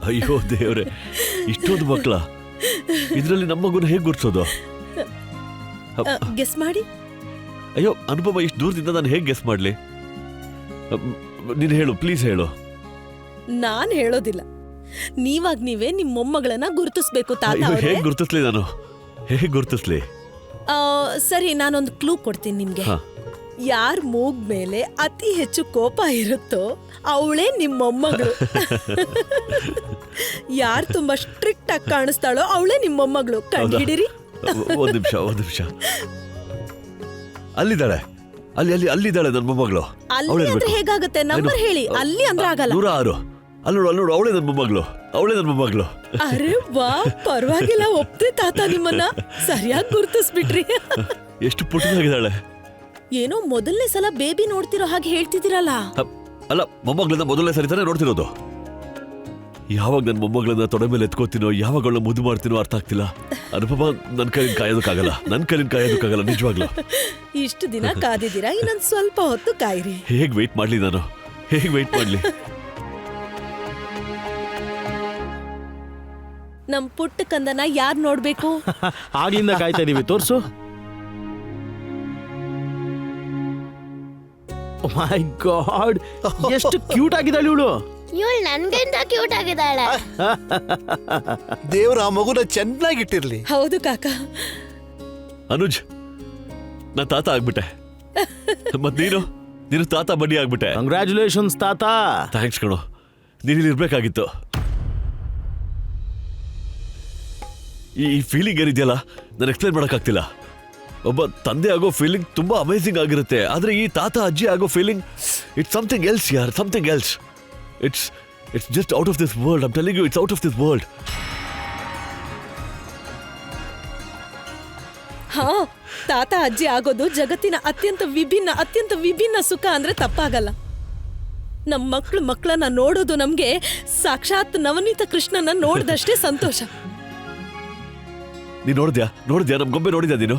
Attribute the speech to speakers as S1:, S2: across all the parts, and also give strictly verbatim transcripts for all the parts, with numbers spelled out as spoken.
S1: ಅಯ್ಯೋ ದೇವ್ರೆ, ಇಷ್ಟೊಂದು ಮಕ್ಕಳ, ಇದರಲ್ಲಿ ನಮ್ಮ ಮಗುನ ಹೇಗೆ ಗುರ್ಸೋದು?
S2: ಗೆಸ್ ಮಾಡಿ.
S1: ಅಯ್ಯೋ ಅನುಪಮ, ಇಷ್ಟು ದೂರದಿಂದ ನಾನು ಹೇಗೆ ಗೆಸ್ ಮಾಡ್ಲಿ? ನೀನು ಹೇಳು, ಪ್ಲೀಸ್ ಹೇಳು.
S2: ನಾನ್ ಹೇಳೋದಿಲ್ಲ, ನೀವಾಗ ನೀವೇ ನಿಮ್ ಮೊಮ್ಮಗಳನ್ನ ಗುರುತಿಸ್ಬೇಕು ತಾತ.
S1: ಹೇಗೆ ಗುರುತಿಸ್ಲಿ ನಾನು? ಹೇಗೆ ಗುರುತಿಸ್ಲಿ?
S2: ಸರಿ, ನಾನೊಂದು ಕ್ಲೂ ಕೊಡ್ತೀನಿ ನಿಮ್ಗೆ. ಯಾರ್ ಮೂಗ್ ಮೇಲೆ ಅತಿ ಹೆಚ್ಚು ಕೋಪ ಇರುತ್ತೋ ಅವಳೇ ನಿಮ್ ಮೊಮ್ಮಗಳು. ಯಾರ್ ತುಂಬಾ ಸ್ಟ್ರಿಕ್ಟ್ ಆಗಿ ಕಾಣಿಸ್ತಾಳೋ ಅವಳೇ ನಿಮ್ ಮೊಮ್ಮಗಳು. ಕಂಡಿಡಿರಿ.
S1: ಒಂದ್ ನಿಮಿಷ ಒಂದ್ ನಿಮಿಷ ಅಲ್ಲಿದ್ದಾಳೆ, ಅಲ್ಲಿ ಅಲ್ಲಿ ಅಲ್ಲಿದ್ದಾಳೆ ನನ್ನ ಮೊಮ್ಮಗಳು.
S2: ಅಲ್ಲಿ ಅಂದ್ರೆ ಹೇಗಾಗುತ್ತೆ? ನಂಬರ್ ಹೇಳಿ. ಅಲ್ಲಿ ಅಂದ್ರೆ ಆಗಲ್ಲ.
S1: ನೂರ ಆರು. ಅಲ್ಲೋಡು ಅಲ್ಲೋಡು, ಅವಳೇ ನನ್ನ ಮೊಮ್ಮಗಳು, ಅವಳೇ ನನ್ನ ಮೊಮ್ಮಗಳು.
S2: ಅರೆ ವಾ, ಪರವಾಗಿಲ್ಲ, ಒಪ್ತೆ ತಾತ ನಿಮ್ಮನ್ನ. ಸರಿಯಾಗಿ ಗುರುತಿಸ್ಬಿಟ್ರಿ.
S1: ಎಷ್ಟು ಪುಟ್ಟದಾಗಿದ್ದಾಳೆ.
S2: ಏನೋ ಮೊದಲನೇ ಸಲ ಬೇಬಿ ನೋಡ್ತಿರೋ ಹಾಗೆ ಹೇಳ್ತಿದ್ದೀರಲ್ಲ.
S1: ಅಲ್ಲ, ಮೊಮ್ಮಗಳನ್ನ ಮೊದಲನೇ ಸರಿ ತಾನೇ ನೋಡ್ತಿರೋದು. ಯಾವಾಗ ನನ್ನ ಮೊಮ್ಮಗಳನ್ನ ತೊಡೆ ಮೇಲೆ ಎತ್ಕೋತೀನೋ, ಯಾವಾಗ ಅವಳನ್ನ ಮುದ್ದು ಮಾಡ್ತೀನೋ ಅರ್ಥ ಆಗ್ತಿಲ್ಲ. ಅನುಪಮ, ನನ್ನ ಕೈಲಿನ ಕಾಯೋದಕ್ಕಾಗಲ್ಲ, ನನ್ನ ಕೈಲಿನ ಕಾಯೋದಕ್ಕಾಗಲ್ಲ ನಿಜವಾಗ್ಲು.
S2: ಇಷ್ಟು ದಿನ ಕಾದಿದ್ದೀರಾ, ಇನ್ನೊಂದು ಸ್ವಲ್ಪ ಹೊತ್ತು ಕಾಯಿರಿ.
S1: ಹೇಗ್ ವೆಯ್ಟ್ ಮಾಡ್ಲಿ ನಾನು? ಹೇಗ್ ವೆಯ್ಟ್ ಮಾಡ್ಲಿ?
S2: ನಮ್ ಪುಟ್ಟ ಕಂದನ ಯಾರ್ ನೋಡ್ಬೇಕು?
S3: ಆಗಿಂದ ಕಾಯ್ತಾ ಇದೀವಿ, ತೋರ್ಸು. ಮೈ ಗಾಡ್, ಎಷ್ಟು ಕ್ಯೂಟ್ ಆಗಿದ್ದಾಳೆ ಇವಳು.
S4: ಇವಳು ನನ್ಗಿಂತ ಕ್ಯೂಟ್ ಆಗಿದ್ದಾಳೆ.
S5: ದೇವ್ರ ಆ ಮಗುನ ಚೆನ್ನಾಗಿಟ್ಟಿರ್ಲಿ.
S2: ಹೌದು ಕಾಕ.
S1: ಅನುಜ್, ನಾ ತಾತ ಆಗ್ಬಿಟ್ಟೆ. ಮತ್ ನೀನು ನೀನು ತಾತ ಬಡ್ಡಿ ಆಗ್ಬಿಟ್ಟೆ.
S3: ಕಂಗ್ರ್ಯಾಚುಲೇಷನ್ಸ್ ತಾತ.
S1: ಥ್ಯಾಂಕ್ಸ್ ಕಣೋ, ನೀನಿಲ್ಲಿ ಇರ್ಬೇಕಾಗಿತ್ತು. ಈ ಫೀಲಿಂಗ್ ಏನಿದೆಯಲ್ಲ, ನಾನು ಎಕ್ಸ್ಪ್ಲೈನ್ ಮಾಡೋಕ್ಕಾಗ್ತಿಲ್ಲ. ಒಬ್ಬ ತಂದೆ ಆಗೋ ಫೀಲಿಂಗ್ ತುಂಬಾ ಅಮೇಸಿಂಗ್ ಆಗಿರುತ್ತೆ, ಆದ್ರೆ ಈ ತಾತ ಅಜ್ಜಿ ಆಗೋ ಫೀಲಿಂಗ್ ಇಟ್ಸ್ ಸಮಥಿಂಗ್ ಎಲ್ಸ್ ಯಾರ್, something else. It's it's just out of this world. I am telling you, it's out of this world.
S2: ಹಾ, ತಾತ ಅಜ್ಜಿ ಆಗೋದು ಜಗತ್ತಿನ ಅತ್ಯಂತ ವಿಭಿನ್ನ ಅತ್ಯಂತ ವಿಭಿನ್ನ ಸುಖ ಅಂದ್ರೆ ತಪ್ಪಾಗಲ್ಲ. ನಮ್ ಮಕ್ಳು ಮಕ್ಕಳನ್ನ ನೋಡೋದು ನಮ್ಗೆ ಸಾಕ್ಷಾತ್ ನವನೀತ ಕೃಷ್ಣನ ನೋಡ್ದಷ್ಟೇ ಸಂತೋಷ.
S1: ನೀನ್ ನೋಡಿದ್ಯಾ ನೋಡಿದ್ಯಾ ನಮ್ ಗೊಂಬೆ ನೋಡಿದ್ಯಾ ನೀನು?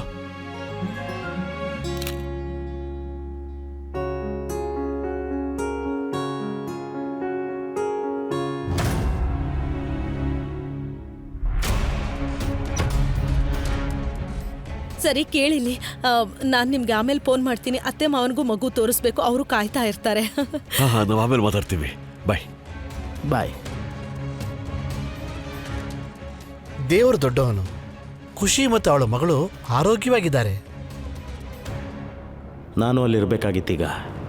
S2: ಸರಿ ಕೇಳಿಲಿ, ನಾನ್ ನಿಮ್ಗೆ ಆಮೇಲೆ ಫೋನ್ ಮಾಡ್ತೀನಿ. ಅತ್ತೆ ಮಾವನಿಗೂ ಮಗು ತೋರಿಸ್ಬೇಕು, ಅವರು ಕಾಯ್ತಾ ಇರ್ತಾರೆ.
S1: ಹಾ ಹಾ ನಾವು ಆಮೇಲೆ ಮಾತಾಡ್ತೀವಿ. ಬಾಯ್
S3: ಬಾಯ್.
S5: ದೇವರು ದೊಡ್ಡವನು. ಖುಷಿ ಮತ್ತು ಅವಳ ಮಗಳು ಆರೋಗ್ಯವಾಗಿದ್ದಾರೆ.
S3: ನಾನು ಅಲ್ಲಿರ್ಬೇಕಾಗಿತ್ತೀಗ.